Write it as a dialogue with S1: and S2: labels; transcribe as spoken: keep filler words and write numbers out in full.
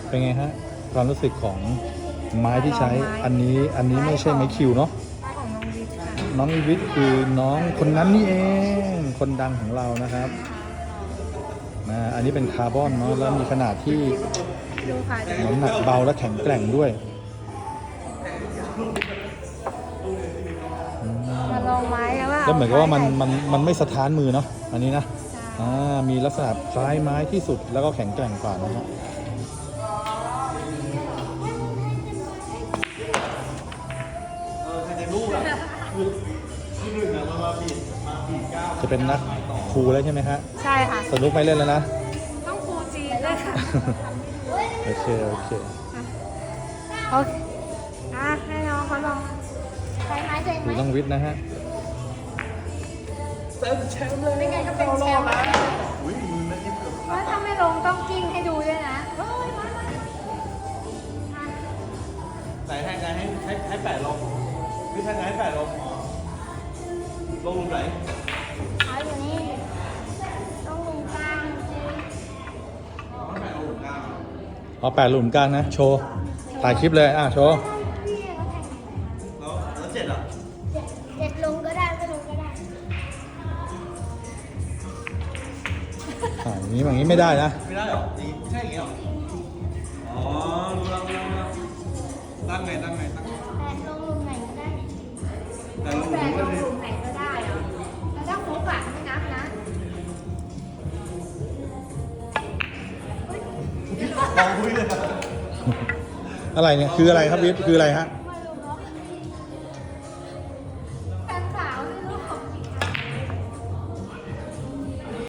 S1: เป็นไงฮะความรู้สึกของไม้ที่ใช้อันนี้อันนี้ไม่ใช่ไม้คิวเนาะ
S2: ของน้องวิทย์ค่ะ
S1: น้องอีวิทย์คือน้องคนนั้นนี่เองคนดังของเรานะครับนะอันนี้เป็นคาร์บอนเนาะแล้วมีขนาดที่
S2: ดูค่ะ
S1: น้ำหนักเบาและแข็งแกร่งด้วย
S2: มาลองไม้กันว่า
S1: แล้วเหมือนกับว่ามันมันมันไม่สะท้านมือเนาะอันนี้นะ
S2: ใช่
S1: อ่ามีลักษณะคล้ายไม้ที่สุดแล้วก็แข็งแกร่งกว่านะฮะจะเป็นนักครูแล้วใช่ไหมฮะ
S2: ใช่ค่ะ
S1: สนุกไม่เล่นแล้วนะ
S2: ต้องครูจีนด้วยค่ะ
S1: โอเคโอเค
S2: โอเคอ่ะให้น้องเขาลองใช้ไม้ตัวเองไห
S1: ดู
S2: ม
S1: น้องวิทย์นะฮะ
S2: ไม่งั้นก็เป็นแชมป์ว่าถ้าไม่ลงต้องกิ้งให้ดูด้วยนะเฮ้ยมามาอ่ะ
S3: ไหนให้ไงให้ให้ให้แปดลงพี่ท่านไงให้แปดลงลงหลุมไหน
S2: เอาอยู่นี่ต้องลงกลางสิ
S1: เอาแปดหลุมกลางนะ โชว์ ถ่ายคลิปเลย อ่ะ โชว์
S2: พี่เขาแข่ง
S3: แล้วแล้วเจ็ดอ่ะ
S2: เจ็ดเจ็ดลงก็ได้ไม่ลงก็ได้
S1: อ่าอย่างนี้อย่างนี้ไม่ได้นะ
S3: ไม่ได้หรออย่างงี้ไม่ใช่อย่างงี้หรออ๋อรู้แล้วรู้แล้วตั้งไงตั้งไงตั้งไง
S2: แปดลงลุมไหนก็ได้
S3: แต่ลงห
S2: แป
S3: ลุ
S2: ด
S3: ม
S2: ล
S3: ก็
S2: ง
S3: ดี
S2: ลุมไหนก็ได้เหรอแล้วถ้าฟุกอะไม่นับนะ
S3: ลองคุยเลย
S1: อะไรเนี่ย คืออะไรครับวิทย์คืออะไรฮะ
S2: ไ